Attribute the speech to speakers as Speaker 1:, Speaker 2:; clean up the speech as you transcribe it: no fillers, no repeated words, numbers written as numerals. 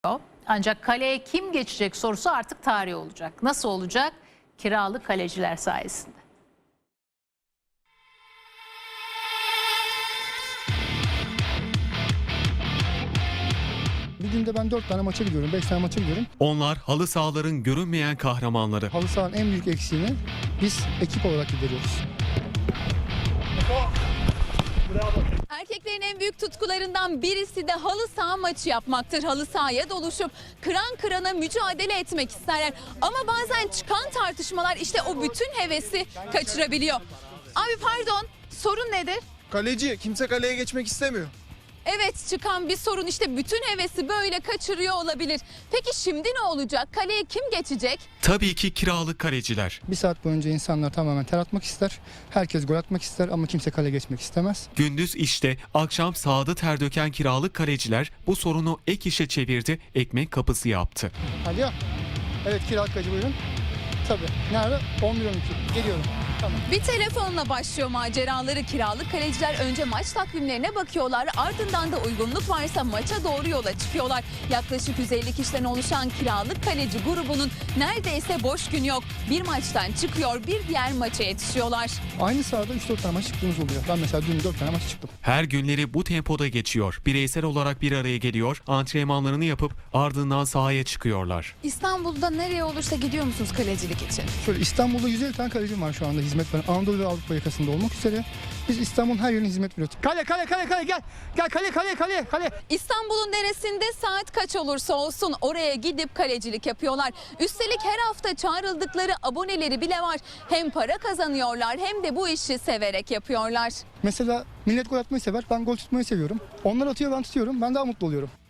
Speaker 1: Ancak kaleye kim geçecek sorusu artık tarih olacak. Nasıl olacak? Kiralık kaleciler sayesinde.
Speaker 2: Bir günde ben 4 tane maça gidiyorum, 5 tane maça gidiyorum.
Speaker 3: Onlar halı sahaların görünmeyen kahramanları.
Speaker 2: Halı sahanın en büyük eksiğini biz ekip olarak gideriyoruz.
Speaker 4: Erkeklerin en büyük tutkularından birisi de halı saha maçı yapmaktır. Halı sahaya doluşup kıran kırana mücadele etmek isterler. Ama bazen çıkan tartışmalar işte o bütün hevesi kaçırabiliyor. Abi pardon, sorun nedir?
Speaker 5: Kaleci. Kimse kaleye geçmek istemiyor.
Speaker 4: Evet, çıkan bir sorun işte bütün hevesi böyle kaçırıyor olabilir. Peki şimdi ne olacak? Kaleye kim geçecek?
Speaker 3: Tabii ki kiralık kaleciler.
Speaker 2: Bir saat boyunca insanlar tamamen ter atmak ister. Herkes gol atmak ister ama kimse kale geçmek istemez.
Speaker 3: Gündüz işte, akşam sahada ter döken kiralık kaleciler bu sorunu ek işe çevirdi, ekmek kapısı yaptı.
Speaker 2: Hadi ya. Evet, kiralık kaleci buyurun. Tabii. Nerede? 11-12. Geliyorum. Tamam.
Speaker 4: Bir telefonla başlıyor maceraları. Kiralık kaleciler önce maç takvimlerine bakıyorlar. Ardından da uygunluk varsa maça doğru yola çıkıyorlar. Yaklaşık 150 kişiden oluşan kiralık kaleci grubunun neredeyse boş gün yok. Bir maçtan çıkıyor, bir diğer maça yetişiyorlar.
Speaker 2: Aynı sahada 3-4 tane maç çıktığımız oluyor. Ben mesela dün 4 tane maç çıktım.
Speaker 3: Her günleri bu tempoda geçiyor. Bireysel olarak bir araya geliyor, antrenmanlarını yapıp ardından sahaya çıkıyorlar.
Speaker 4: İstanbul'da nereye olursa gidiyor musunuz kalecilik için?
Speaker 2: Şöyle İstanbul'da 150 tane kalecim var şu anda hizmet veren. Anadolu ve Avrupa yakasında olmak üzere. Biz İstanbul'un her yerine hizmet veriyoruz. Kale gel. Gel kale.
Speaker 4: İstanbul'un neresinde saat kaç olursa olsun oraya gidip kalecilik yapıyorlar. Üstelik her hafta çağrıldıkları aboneleri bile var. Hem para kazanıyorlar hem de bu işi severek yapıyorlar.
Speaker 2: Mesela millet gol atmayı sever. Ben gol tutmayı seviyorum. Onlar atıyor, ben tutuyorum. Ben daha mutlu oluyorum.